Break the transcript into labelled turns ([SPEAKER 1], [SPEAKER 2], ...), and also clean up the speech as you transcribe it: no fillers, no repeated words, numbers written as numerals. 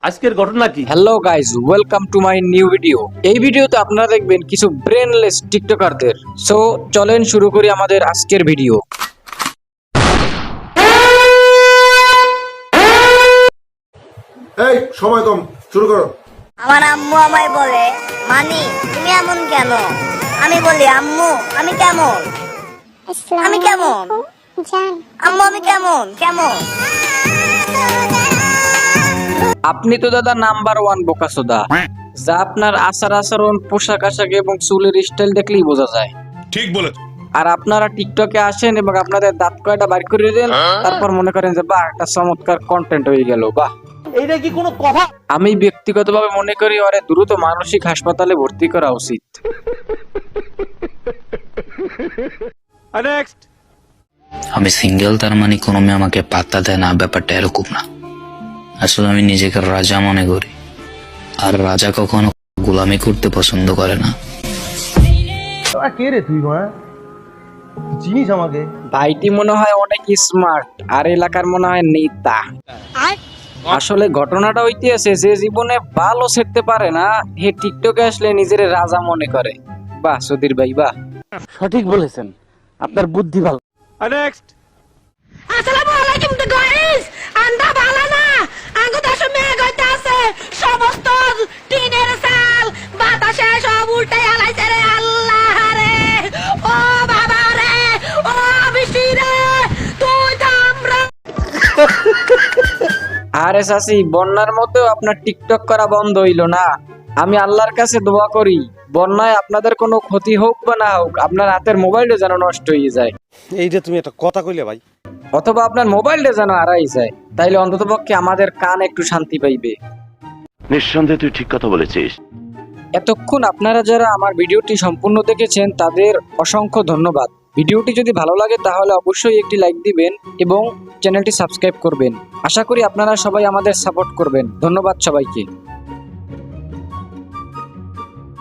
[SPEAKER 1] আজকের ঘটনা কি?
[SPEAKER 2] Hello guys, welcome to my new video. এই ভিডিওতে আপনারা দেখবেন কিছু ব্রেনলেস টিকটকারদের। সো চলেন শুরু করি আমাদের আজকের ভিডিও।
[SPEAKER 3] এই সময় কম, শুরু করো।
[SPEAKER 4] আমার আম্মু আমায় বলে, মানি তুমি এমন কেন? আমি বলি, আম্মু আমি কেমন? আমি কেমন? আম্মু আমি কেমন কেমন?
[SPEAKER 2] আপনি তো দাদা নাম্বার 1 বোকাসোদা, যা আপনার আচার আচরণ, পোশাক আশাক এবং চুলের স্টাইল দেখলেই বোঝা যায়।
[SPEAKER 5] ঠিক বলে।
[SPEAKER 2] আর আপনারা টিকটকে আসেন এবং আপনাদের দাঁত কয়টা বাইর করে দেন, তারপর মনে করেন যে বাহ, একটা চমৎকার কন্টেন্ট হয়ে গেল। বাহ,
[SPEAKER 1] এইটা কি কোনো কথা?
[SPEAKER 2] আমি ব্যক্তিগতভাবে মনে করি ওরে দ্রুত মানসিক হাসপাতালে ভর্তি করা উচিত।
[SPEAKER 1] নেক্সট।
[SPEAKER 6] আমি সিঙ্গেল, তার মানে কোনো মেয়ে আমাকে পাত্তা দেয় না, ব্যাপারটা এরকম না। আসলে আমি নিজেকে রাজা মনে করি, আর রাজা কখনো গোলামি করতে পছন্দ করে না।
[SPEAKER 3] কে রে তুই? চিনিস আমাকে?
[SPEAKER 2] ভাইটি মনে হয় অনেক স্মার্ট, আর এলাকার মনে হয় নেতা। আসলে ঘটনাটা হইতেছে যে জীবনে ভালো সেরতে পারে না, হে টিকটকে আসলে নিজের রাজা মনে করে। বাহ সুধীর ভাই, বাহ।
[SPEAKER 1] সঠিক বলেছেন, আপনার বুদ্ধি ভালো। নেক্সট।
[SPEAKER 7] আসসালামু আলাইকুম তো গাইস, আন্দা ভালো না? আঙ্গু দেশে মেঘ হইতাছে, সমস্ত টিনের চাল বাতাসে সব উল্টে আলাইছে রে আল্লাহ রে, ও বাবা রে, ও বিশি রে, তুই থাম রে।
[SPEAKER 2] আরে চাচি, বন্যার মধ্যেও আপনার টিকটক করা বন্ধ হইলো না। আমি আল্লাহর কাছে দোয়া করি, বন্যায় আপনাদের কোনো ক্ষতি হোক বা না হোক, আপনার হাতের মোবাইলটা যেন নষ্ট হয়ে যায়,
[SPEAKER 8] এই যে তুমি একটা কথা কইলে ভাই,
[SPEAKER 2] অথবা আপনার মোবাইলটা যেন হারাই যায়। তাইলে অন্ততপক্ষে আমাদের কান একটু শান্তি পাইবে।
[SPEAKER 9] নিঃসন্দেহে তুই ঠিক কথা বলেছিস।
[SPEAKER 2] এতক্ষণ আপনারা যারা আমার ভিডিওটি সম্পূর্ণ দেখেছেন তাদের অসংখ্য ধন্যবাদ। ভিডিওটি যদি ভালো লাগে তাহলে অবশ্যই একটি লাইক দিবেন এবং চ্যানেলটি সাবস্ক্রাইব করবেন। আশা করি আপনারা সবাই আমাদের সাপোর্ট করবেন। ধন্যবাদ সবাইকে।